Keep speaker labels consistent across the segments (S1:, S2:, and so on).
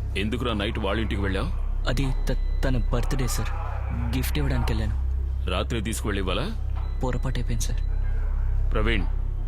S1: ఎందుకురా నైట్ వాళ్ళ ఇంటికి వెళ్ళావు?
S2: అది తన బర్త్డే సార్. గిఫ్ట్ ఇవ్వడానికి వెళ్ళాను.
S1: రాత్రి తీసుకువెళ్ళి ఇవ్వాలా?
S2: పొరపాటు అయిపోయింది సార్.
S1: ప్రవీణ్,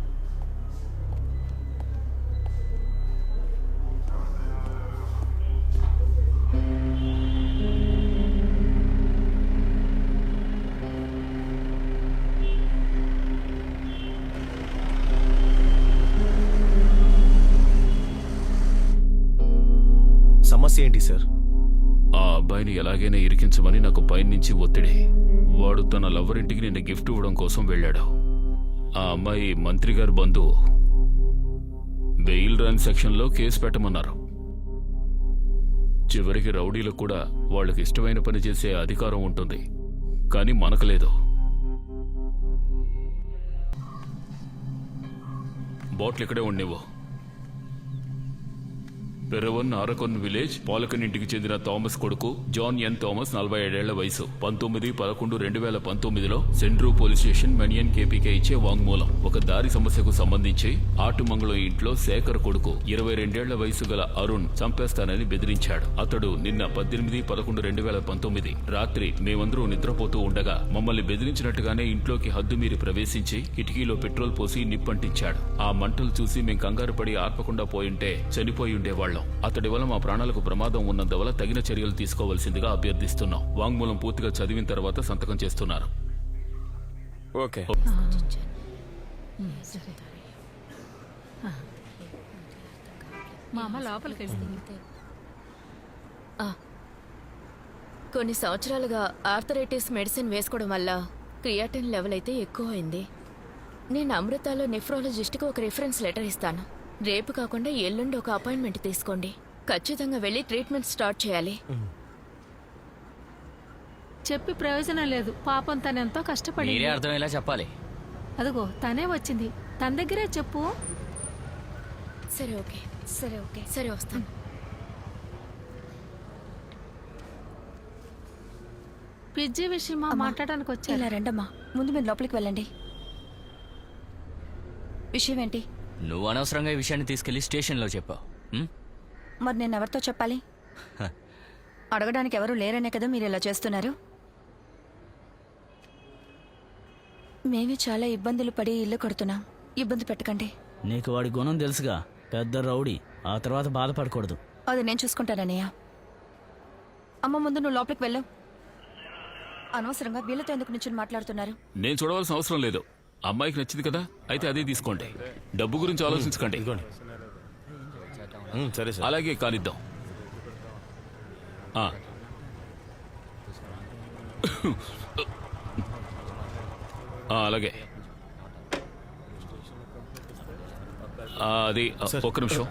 S3: సమస్య ఏంటి సార్?
S1: ఆ అబ్బాయిని ఎలాగైనా ఇరికించమని నాకు పైనుంచి ఒత్తిడి. వాడు తన లవర్ ఇంటికి నిన్న గిఫ్ట్ ఇవ్వడం కోసం వెళ్ళాడు. ఆ అమ్మాయి మంత్రి గారి బంధువు. బెయిల్ రాని సెక్షన్లో కేసు పెట్టమన్నారు. చివరికి రౌడీలకు కూడా వాళ్ళకి ఇష్టమైన పని చేసే అధికారం ఉంటుంది, కానీ మనకు లేదు. బాటిల్ ఇక్కడే ఉండేవో. పెరవన్ ఆరకొన్ విలేజ్ పాలకన్ ఇంటికి చెందిన థామస్ కొడుకు జాన్ ఎన్ థామస్ 47 ఏళ్ల వయసు 19/11/2019లో సెంట్రూ పోలీస్ స్టేషన్ మెనియన్ కేపీకే ఇచ్చే వాంగ్మూలం. ఒక దారి సమస్యకు సంబంధించి ఆటుమంగళం ఇంట్లో శేఖర్ కొడుకు 22 ఏళ్ల వయసు గల అరుణ్ చంపేస్తానని బెదిరించాడు. అతడు నిన్న 18/11/2019 రాత్రి మేమందరూ నిద్రపోతూ ఉండగా మమ్మల్ని బెదిరించినట్టుగానే ఇంట్లోకి హద్దుమీరి ప్రవేశించి కిటికీలో పెట్రోల్ పోసి నిప్పంటించాడు. ఆ మంటలు చూసి మేం కంగారు పడి ఆర్పకుండా పోయింటే చనిపోయి ఉండేవాళ్లం. అతడి వల్ల మా ప్రాణాలకు ప్రమాదం ఉన్నందువల్ల తగిన చర్యలు తీసుకోవాల్సిందిగా అభ్యర్థిస్తున్నాం. వాంగ్మూలం పూర్తిగా చదివిన తర్వాత సంతకం చేస్తున్నారు.
S3: ఓకే.
S4: కొన్ని సంవత్సరాలుగా ఆర్థరైటిస్ మెడిసిన్ వేసుకోవడం వల్ల క్రియాటిన్ లెవెల్ అయితే ఎక్కువ అయింది. నేను అమృతాలో నెఫ్రాలజిస్ట్కి ఒక రిఫరెన్స్ లెటర్ ఇస్తాను. రేపు కాకుండా ఎల్లుండి ఒక అపాయింట్మెంట్ తీసుకోండి. ఖచ్చితంగా వెళ్ళి ట్రీట్మెంట్ స్టార్ట్ చేయాలి.
S5: చెప్పి ప్రయోజనం లేదు. పాపం తనెంతో కష్టపడి.
S2: మీరే అర్థమయ్యేలా చెప్పాలి.
S5: అదిగో తనే వచ్చింది, తన దగ్గరే చెప్పు.
S4: సరే ఓకే, సరే ఓకే, సరే వస్తాను.
S5: పిజ్జి విషయమా మాట్లాడడానికి వచ్చా?
S6: ఇలా రండమ్మా, ముందు మీరు లోపలికి వెళ్ళండి. విషయం ఏంటి?
S2: నువ్వు అనవసరంగా ఈ విషయాన్ని తీసుకెళ్లి స్టేషన్లో చెప్పావు.
S6: మరి నేను ఎవరితో చెప్పాలి? అడగడానికి ఎవరు లేరనే కదా మీరు ఇలా చేస్తున్నారు. మేమే చాలా ఇబ్బందులు పడి ఇల్లు కడుతున్నాం. ఇబ్బంది పెట్టకండి.
S7: నీకు వాడి గుణం తెలుసుగా, పెద్ద రౌడీ. ఆ తర్వాత బాధపడకూడదు.
S6: అది నేను చూసుకుంటానన్నయ్య. అమ్మ, ముందు నువ్వు లోపలికి వెళ్ళు. అనవసరంగా వీళ్ళతో ఎందుకు నుంచి మాట్లాడుతున్నారు?
S1: నేను చూడవలసిన అవసరం లేదు. అమ్మాయికి నచ్చింది కదా, అయితే అదే తీసుకోండి. డబ్బు గురించి ఆలోచించకండి.
S3: సరే సార్.
S1: అలాగే కానిద్దాం. అలాగే. అది ఒక్క నిమిషం.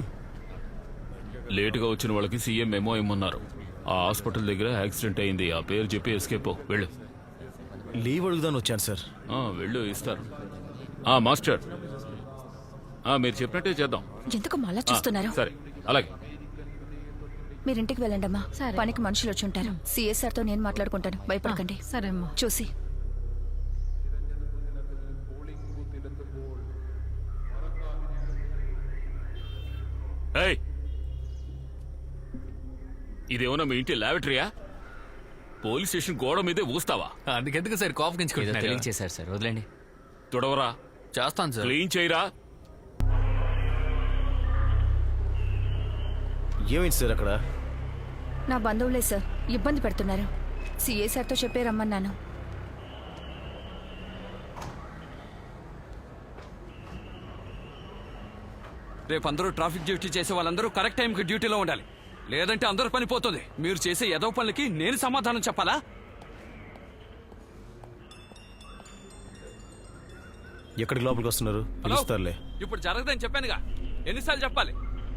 S1: లేటుగా వచ్చిన వాళ్ళకి సీఎం మెమో ఇమ్మన్నారు. ఆ హాస్పిటల్ దగ్గర యాక్సిడెంట్ అయింది. ఆ పేరు చెప్పి ఎస్కేప్. వెళ్ళు.
S3: లీవ్ అడుగుదాని వచ్చాను సార్.
S1: వెళ్ళు, ఇస్తారు. మాస్టర్, మీరు చెప్పినట్టే చేద్దాం.
S6: ఎందుకు మళ్ళా చూస్తున్నారు?
S1: సరే, అలాగే.
S6: మీరింటికి వెళ్ళండమ్మా. పనికి మనుషులు వచ్చి ఉంటారు. సిఎస్ఆర్ తో నేను మాట్లాడుకుంటాను, భయపడకండి.
S5: సరే అమ్మా.
S6: చూసి
S1: ఇదేమన్నా మీ ఇంటి ల్యాబరేటరీయా? పోలీస్ స్టేషన్ గోడ మీదే ఊస్తావా?
S2: అందుకెందుకు సార్ కోపగించుకుంటున్నారు? తెలియచేశారు సార్, వదిలేండి.
S1: తుడవరా.
S2: చేస్తాను సార్.
S1: క్లీన్ చేయరా.
S3: ఏమైంది సార్ అక్కడ?
S6: నా బంధువులే సార్, ఇబ్బంది పెడుతున్నారు. సిఎస్ఆర్తో చెప్పే రమ్మన్నాను.
S8: రేపు అందరూ ట్రాఫిక్ డ్యూటీ చేసే వాళ్ళందరూ కరెక్ట్ టైంకి డ్యూటీలో ఉండాలి, లేదంటే అందరూ పని పోతుంది. మీరు చేసే ఏదో పనులకి నేను సమాధానం చెప్పాలా?
S3: ఎక్కడికి లోపలికి వస్తున్నారు? పిలుస్తారులే.
S8: ఇప్పుడు జరగదని చెప్పానుగా, ఎన్నిసార్లు చెప్పాలి?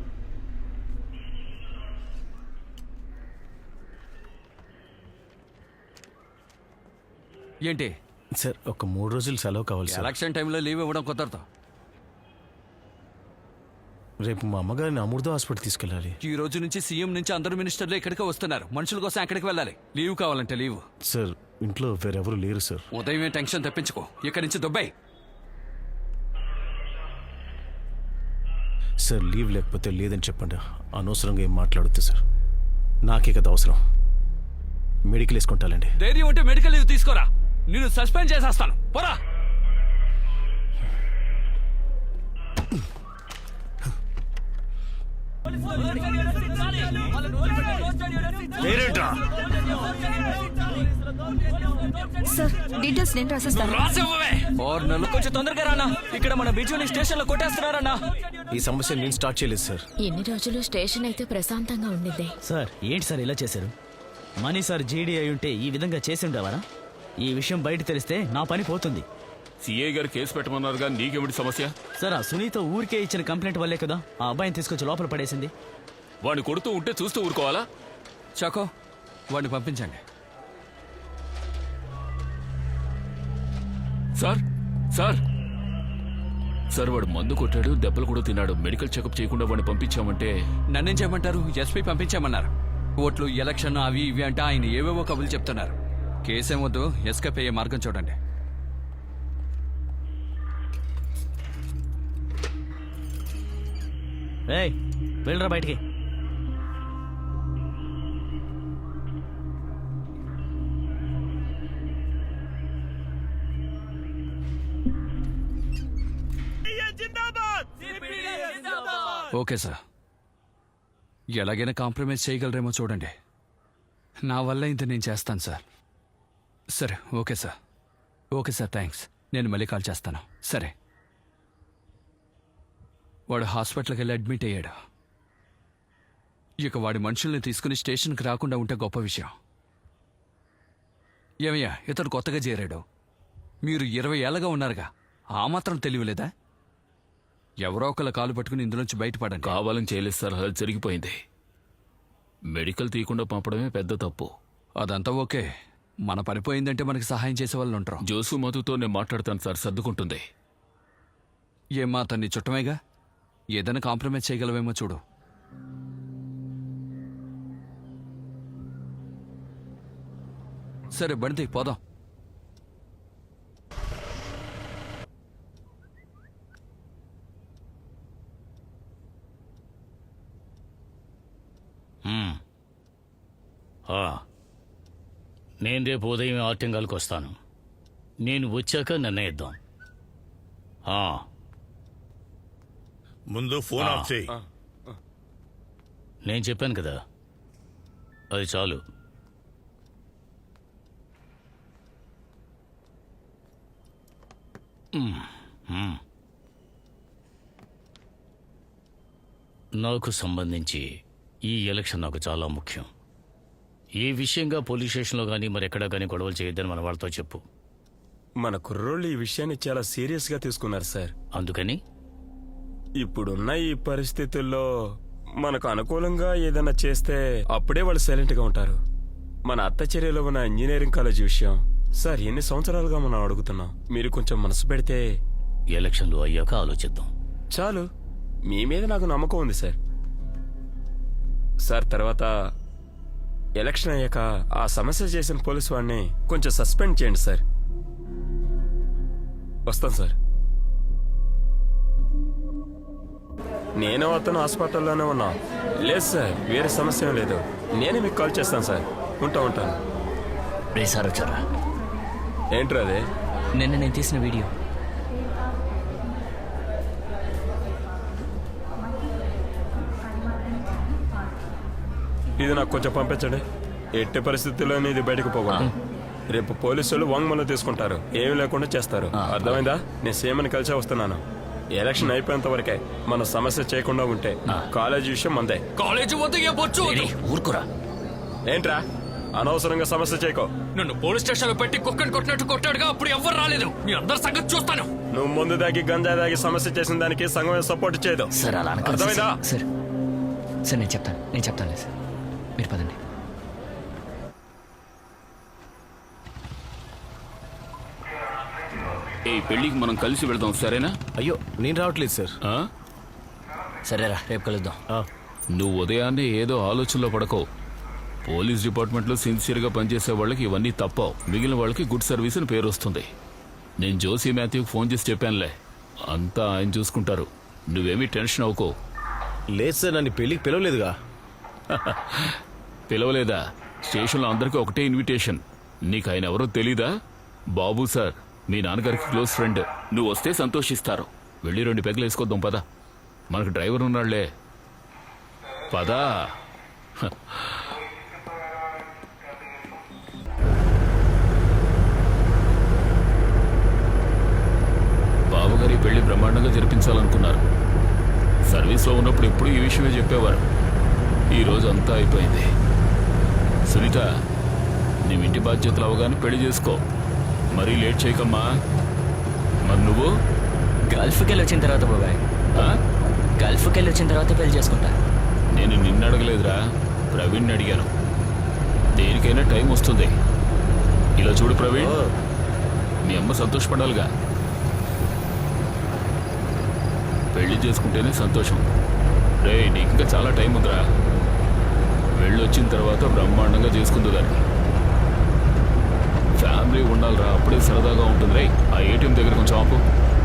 S8: ఏంటి
S3: సార్, ఒక 3 రోజులు సెలవు కావాలి సార్.
S8: ఎలక్షన్ టైంలో లీవ్ ఇవ్వడం కుదరదు.
S3: రేపు మా అమ్మగారిని అమృత హాస్పిటల్ తీసుకెళ్ళాలి.
S8: ఈ రోజు నుంచి సీఎం నుంచి అందరూ మినిస్టర్లు ఇక్కడికే వస్తున్నారు. మనుషుల కోసం ఎక్కడికి వెళ్ళాలి. లీవ్ కావాలంటే లీవ్.
S3: సార్, ఇంట్లో వేరెవరు లేరు సార్.
S8: ఉదయమే టెన్షన్ తెప్పించుకో. ఇక్కడి నుంచి దుబాయ్.
S3: సార్ లీవ్ లేకపోతే లేదని చెప్పండి. అనవసరంగా ఏం మాట్లాడొద్దు సార్. నాకే కదా అవసరం. మెడికల్ వేసుకుంటానండి.
S8: ధైర్యం ఉంటే మెడికల్ లీవ్ తీసుకోరా, నిన్ను సస్పెండ్ చేసేస్తాను. పోరా.
S6: సార్ డీటెయిల్స్ నేను రాసిస్తాను.
S8: రాసివ్వవే.
S2: 6 నెలలు కొంచెం తొందరగా రానా, ఇక్కడ మన బిజుని స్టేషన్ లో కొట్టేస్తున్నారన్నా.
S3: ఈ సమస్య నేను స్టార్ట్ చేయలేదు సార్.
S4: ఎన్ని రోజులు స్టేషన్ అయితే ప్రశాంతంగా ఉండింది.
S7: సార్ ఏంటి సార్ ఇలా చేశారు? మనీ సార్ జీడీ అయి ఉంటే ఈ విధంగా చేసి ఉండేవారా? ఈ విషయం బయట తెలిస్తే నా పని పోతుంది.
S1: సిఐ గారు కేసు పెట్టమన్నారుగా, నీకేమిటి సమస్య?
S7: సార్ ఆ సునీత ఊరికే ఇచ్చిన కంప్లైంట్ వల్లే కదా ఆ అబ్బాయిని తీసుకొచ్చి లోపల పడేసింది.
S1: వాడిని కొడుతూ ఉంటే చూస్తూ ఊరుకోవాలా?
S8: చాకో, వాడిని పంపించండి.
S1: సార్ సార్ సార్ వాడు మందు కొట్టాడు, దెబ్బలు కూడా తిన్నాడు. మెడికల్ చెకప్ చేయకుండా వాడిని పంపించామంటే
S8: నన్నేం చేయమంటారు? ఎస్పీ పంపించామన్నారు. ఓట్లు, ఎలక్షన్ అవి ఇవి అంటే ఆయన ఏవేవో కబులు చెప్తున్నారు. కేసేం వద్దు, ఎస్కేప్ అయ్యే మార్గం చూడండి.
S7: ఏయ్ వెళ్ళరా బయటికి.
S8: ఓకే సార్, ఎలాగైనా కాంప్రమైజ్ చేయగలరేమో చూడండి. నా వల్ల ఇంత నేను చేస్తాను సార్. సరే, okay sir. Okay sir, thanks. నేను మళ్ళీ కాల్ చేస్తాను. సరే. వాడు హాస్పిటల్కి వెళ్ళి అడ్మిట్ అయ్యాడు. ఇక వాడి మనుషుల్ని తీసుకుని స్టేషన్కి రాకుండా ఉంటే గొప్ప విషయం. ఏమయ్యా, ఇతడు కొత్తగా చేరాడు. మీరు 20 ఏళ్ళగా ఉన్నారుగా, ఆ మాత్రం తెలియలేదా? ఎవరో ఒకళ్ళ కాలు పట్టుకుని ఇందులోంచి బయటపడండి.
S1: కావాలని చేయలేదు సార్, అది జరిగిపోయింది. మెడికల్ తీయకుండా పంపడమే పెద్ద తప్పు.
S8: అదంతా ఓకే. మన పనిపోయిందంటే మనకి సహాయం చేసే వాళ్ళు ఉంటారు.
S1: జోసు మధుతో నేను మాట్లాడతాను సార్, సర్దుకుంటుంది.
S8: ఏమ్మా, అతన్ని చుట్టమేగా, ఏదైనా కాంప్రమైజ్ చేయగలవేమో చూడు. సరే బండి పోదాం.
S9: నేను రేపు ఉదయం ఆర్టింగాల్కి వస్తాను. నేను వచ్చాక నిర్ణయిద్దాం.
S10: ముందు ఫోన్ ఆఫ్ చేయి.
S9: నేను చెప్పాను కదా, అది చాలు. నాకు సంబంధించి ఈ ఎలక్షన్ నాకు చాలా ముఖ్యం. ఈ విషయంగా పోలీస్ స్టేషన్లో కానీ మరెక్కడా కానీ గొడవలు చేయొద్దని మన వాళ్ళతో చెప్పు.
S11: మన కుర్రోళ్ళు ఈ విషయాన్ని చాలా సీరియస్గా తీసుకున్నారు సార్.
S9: అందుకని
S11: ఇప్పుడున్న ఈ పరిస్థితుల్లో మనకు అనుకూలంగా ఏదైనా చేస్తే అప్పుడే వాళ్ళు సైలెంట్గా ఉంటారు. మన అత్తచర్యలో ఉన్న ఇంజనీరింగ్ కాలేజ్ విషయం సార్, ఎన్ని సంవత్సరాలుగా మనం అడుగుతున్నాం. మీరు కొంచెం మనసు పెడితే
S9: ఎలక్షన్లు అయ్యాక ఆలోచిద్దాం.
S11: చాలు, మీ మీద నాకు నమ్మకం ఉంది సార్. సార్, తర్వాత ఎలక్షన్ అయ్యాక ఆ సమస్య చేసిన పోలీసు వాడిని కొంచెం సస్పెండ్ చేయండి సార్. వస్తాను సార్. నేను అతను హాస్పిటల్లోనే ఉన్నా. లేదు సార్, వేరే సమస్య ఏం లేదు. నేనే మీకు కాల్ చేస్తాను సార్. ఉంటాను.
S2: రే సార్ వచ్చారా?
S11: ఏంట్రా అదే?
S2: నిన్న నేను తీసిన వీడియో.
S11: ఇది నాకు కొంచెం పంపించండి. ఎట్టి పరిస్థితుల్లోనే ఇది బయటకు పోకూడదు. రేపు పోలీసులు వాంగ్మూలం తీసుకుంటారు, ఏమీ లేకుండా చేస్తారు. అర్థమైందా? నేను సీఎంని కలిసే వస్తున్నాను. ఎలక్షన్ అయిపోయేంత వరకే మన సమస్య చేయకుండా ఉంటే కాలేజీ విషయం మందే.
S8: కాలేజీ
S2: ఊరుకురా.
S11: ఏంట్రా అనవసరంగా సమస్య చేయకో.
S8: నన్ను పోలీస్ స్టేషన్ లో పెట్టి కుక్కని కొట్టినట్టు కొట్టాడుగా, అప్పుడు ఎవ్వరు రాలేదు. మీ అందరి సంగతి చూస్తాను.
S11: నువ్వు ముందు దాగి గంజా దాగి సమస్య చేసిన దానికి సంఘం సపోర్ట్ చేయదు.
S2: సార్ అలా అనకండి
S11: అర్థమైందా?
S2: సార్. సార్ నేను చెప్తాను సార్. మీరు పదండి.
S1: ఈ పెళ్లికి మనం కలిసి వెళ్దాం, సరేనా?
S3: అయ్యో, నేను రావట్లేదు సార్.
S1: ఆ?
S2: సరేరా, రేపు కలుద్దాం.
S1: నువ్వు ఉదయాన్నే ఏదో ఆలోచనలో పడకో. పోలీస్ డిపార్ట్మెంట్లో సిన్సియర్గా పనిచేసే వాళ్ళకి ఇవన్నీ తప్పవు. మిగిలిన వాళ్ళకి గుడ్ సర్వీస్ అని పేరు వస్తుంది. నేను జోసి మాథ్యూకి ఫోన్ చేసి చెప్పానులే, అంతా ఆయన చూసుకుంటారు. నువ్వేమీ టెన్షన్ అవ్వకో.
S3: లేదు సార్, నన్ను పెళ్ళికి పిలవలేదుగా.
S1: పిలవలేదా? స్టేషన్లో అందరికీ ఒకటే ఇన్విటేషన్. నీకు ఆయన ఎవరో తెలీదా? బాబు సార్, మీ నాన్నగారికి క్లోజ్ ఫ్రెండ్. నువ్వు వస్తే సంతోషిస్తారు. వెళ్ళి 2 పెగ్గులు వేసుకొద్దాం పదా. మనకు డ్రైవర్ ఉన్నాళ్లే, పదా. బాబుగారి పెళ్లి బ్రహ్మాండంగా జరిపించాలనుకున్నారు. సర్వీస్లో ఉన్నప్పుడు ఎప్పుడు ఈ విషయమే చెప్పేవారు. ఈరోజు అంతా అయిపోయింది. సునీత, నీ ఇంటి బాధ్యతలు అవగానే పెళ్లి చేసుకో. మరీ లేట్ చేయకమ్మా. మరి నువ్వు
S2: గల్ఫ్కి వెళ్ళి వచ్చిన తర్వాత బాబాయ్, గల్ఫ్కి వెళ్ళి వచ్చిన తర్వాత పెళ్లి చేసుకుంటా.
S1: నేను నిన్ను అడగలేదురా, ప్రవీణ్ అడిగాను. దేనికైనా టైం వస్తుంది. ఇలా చూడు ప్రవీణ్, మీ అమ్మ సంతోషపడాలిగా. పెళ్లి చేసుకుంటేనే సంతోషం. రే, నీకు ఇంకా చాలా టైం ఉందిరా. వెళ్ళొచ్చిన తర్వాత బ్రహ్మాండంగా చేసుకుందు దాన్ని. ఫ్యామిలీ ఉండాలిరా, అప్పుడే సరదాగా ఉంటుంది. రే, ఆ ఏటీఎం దగ్గర కొంచెం ఆపు.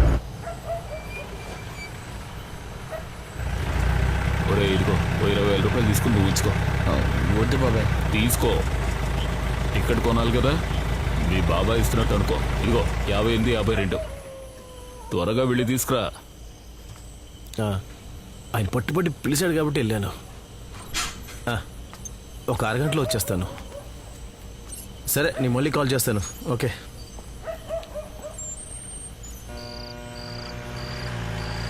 S1: ఒరే, ఇదిగో 20,000 రూపాయలు తీసుకుని నువ్వు ఇచ్చుకో.
S2: వద్దు బాబాయ్.
S1: తీసుకో, టికెట్ కొనాలి కదా. మీ బాబాయ్ ఇస్తున్నట్టు అనుకో. ఇదిగో 58, 52. త్వరగా వెళ్ళి తీసుకురా.
S3: ఆయన పట్టుబట్టి పిలిచాడు కాబట్టి వెళ్ళాను. ఒక 6 గంటలో వచ్చేస్తాను. సరే, నేను మళ్ళీ కాల్ చేస్తాను. ఓకే.